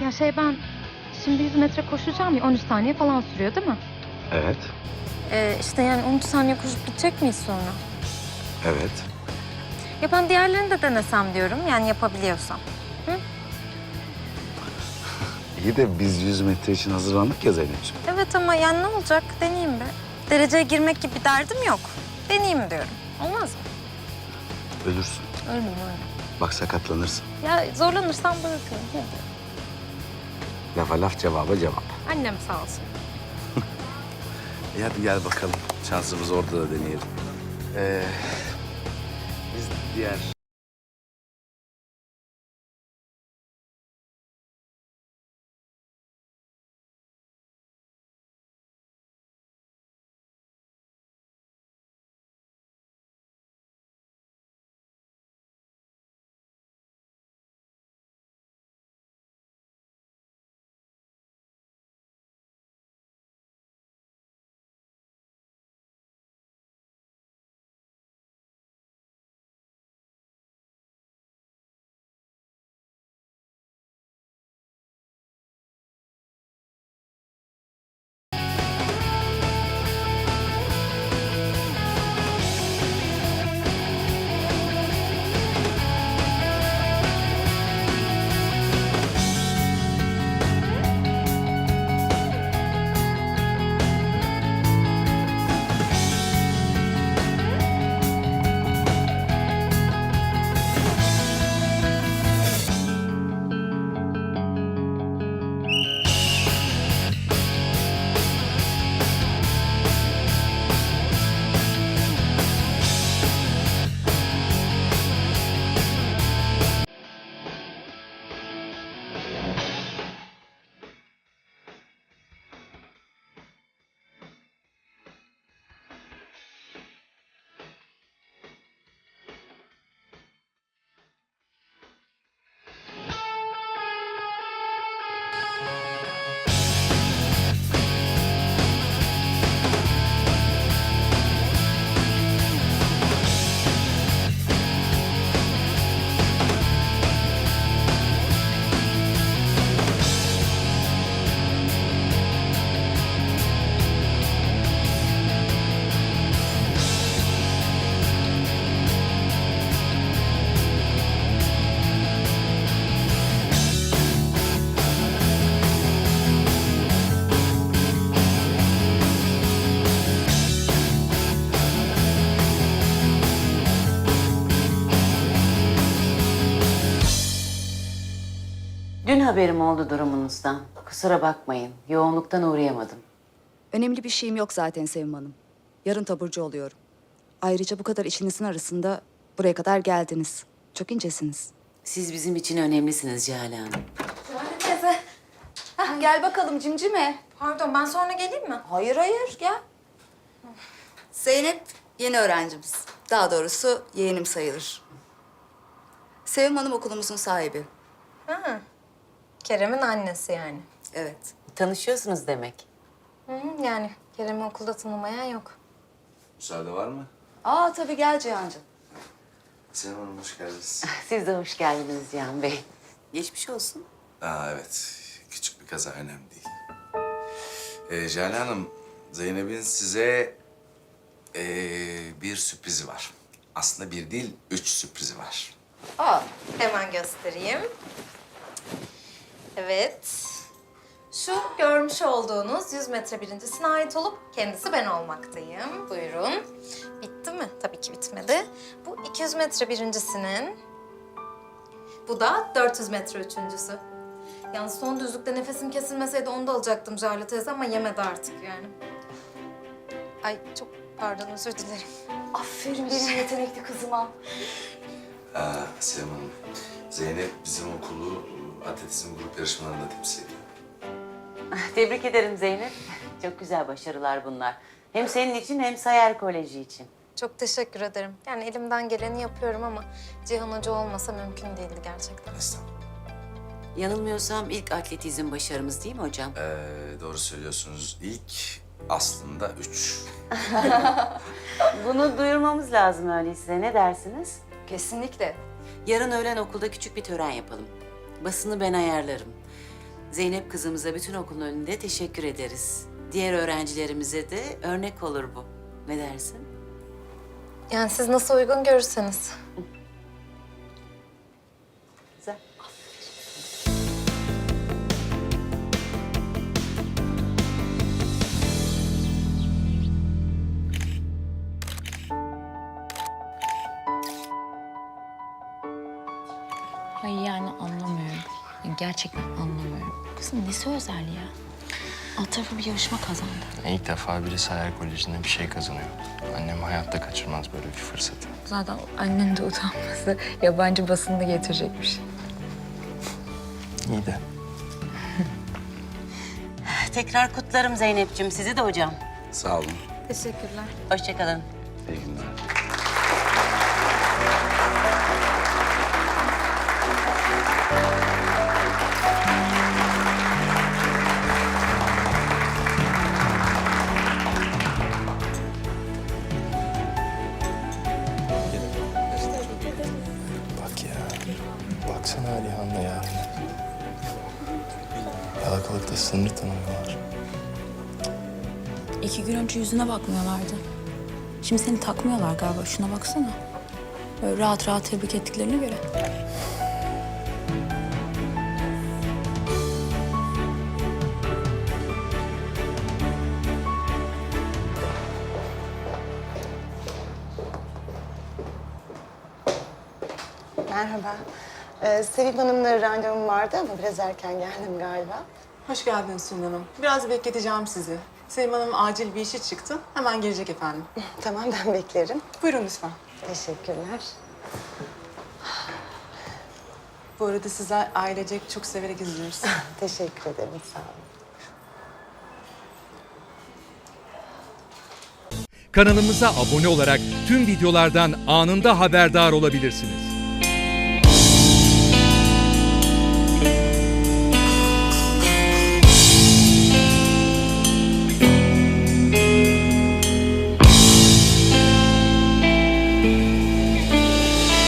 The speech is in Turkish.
Ya ben şimdi 100 metre koşacağım ya 13 saniye falan sürüyor değil mi? Evet, İşte yani 13 saniye koşup gidecek miyiz sonra? evet. Ya ben diğerlerini de denesem diyorum yani yapabiliyorsam. İyi de biz 100 metre için hazırlandık ya Zeynep'ciğim. Evet ama yani ne olacak deneyeyim be. Dereceye girmek gibi bir derdim yok. Deneyeyim diyorum. Olmaz mı? Ölürsün. Ölmem öyle. Bak sakatlanırsın. Ya zorlanırsam bırakırım. Hadi. Lafa laf, cevaba cevap. Annem sağ olsun. Hadi gel bakalım. Şansımızı orada da deneyelim. Biz diğer... Dün haberim oldu durumunuzdan. Kusura bakmayın, yoğunluktan uğrayamadım. Önemli bir şeyim yok zaten Sevim Hanım. Yarın taburcu oluyorum. Ayrıca bu kadar işinizin arasında buraya kadar geldiniz. Çok incesiniz. Siz bizim için önemlisiniz Cihale Hanım. Teyze. Gel bakalım cimcime. Pardon ben sonra geleyim mi? Hayır gel. Zeynep yeni öğrencimiz. Daha doğrusu yeğenim sayılır. Sevim Hanım okulumuzun sahibi. Ha. Kerem'in annesi yani. Evet. Tanışıyorsunuz demek. Yani Kerem'i okulda tanımayan yok. Müsaade var mı? Tabii gel Cihan'cığım. Senem Hanım hoş geldiniz. Siz de hoş geldiniz Cihan Bey. Geçmiş olsun. Evet. Küçük bir kaza, önemli değil. Jale Hanım, Zeynep'in size bir sürprizi var. Aslında bir değil, 3 sürprizi var. Hemen göstereyim. Evet. Şu görmüş olduğunuz 100 metre birincisine ait olup kendisi ben olmaktayım. Buyurun. Bitti mi? Tabii ki bitmedi. Bu 200 metre birincisinin, bu da 400 metre üçüncüsü. Yalnız son düzlükte nefesim kesilmeseydi onu da alacaktım Jale teyze ama yemedi artık yani. Ay çok pardon özür dilerim. Aferin benim yetenekli kızıma. Senem Hanım, Zeynep bizim okulu atletizm grup yarışmalarında temsil ediyor. Tebrik ederim Zeynep. Çok güzel başarılar bunlar. Hem senin için hem Sayar Koleji için. Çok teşekkür ederim. Yani elimden geleni yapıyorum ama Cihan Hoca olmasa mümkün değildi gerçekten. Estağfurullah. Yanılmıyorsam ilk atletizm başarımız değil mi hocam? Doğru söylüyorsunuz. İlk aslında 3. Bunu duyurmamız lazım öyleyse. Ne dersiniz? Kesinlikle. Yarın öğlen okulda küçük bir tören yapalım. Basını ben ayarlarım. Zeynep kızımıza bütün okulun önünde teşekkür ederiz. Diğer öğrencilerimize de örnek olur bu. Ne dersin? Yani siz nasıl uygun görürseniz. Güzel. Ay yani anlamıyorum. Gerçekten anlamıyorum. Kızın nesi özel ya? Alt tarafı bir yarışma kazandı. İlk defa birisi hayal kolejinde bir şey kazanıyor. Annem hayatta kaçırmaz böyle bir fırsatı. Zaten annenin de utanması yabancı basını getirecekmiş. İyi de. Tekrar kutlarım Zeynep'ciğim. Sizi de hocam. Sağ olun. Teşekkürler. Hoşça kalın. İyi günler. Bak ya. Baksana Alihan'la ya. Yalakalıkta sınır tanımıyorlar. 2 gün önce yüzüne bakmıyorlardı. Şimdi seni takmıyorlar galiba. Şuna baksana. Böyle rahat rahat tebrik ettiklerine göre. Merhaba. Sevim Hanım'la randevum vardı ama biraz erken geldim galiba. Hoş geldiniz Sülün Hanım. Biraz bekleteceğim sizi. Sevim Hanım acil bir işi çıktı. Hemen gelecek efendim. Tamam, ben beklerim. Buyurun lütfen. Teşekkürler. Bu arada sizler ailecek çok severek izliyoruz. Teşekkür ederim, sağ olun. Kanalımıza abone olarak tüm videolardan anında haberdar olabilirsiniz.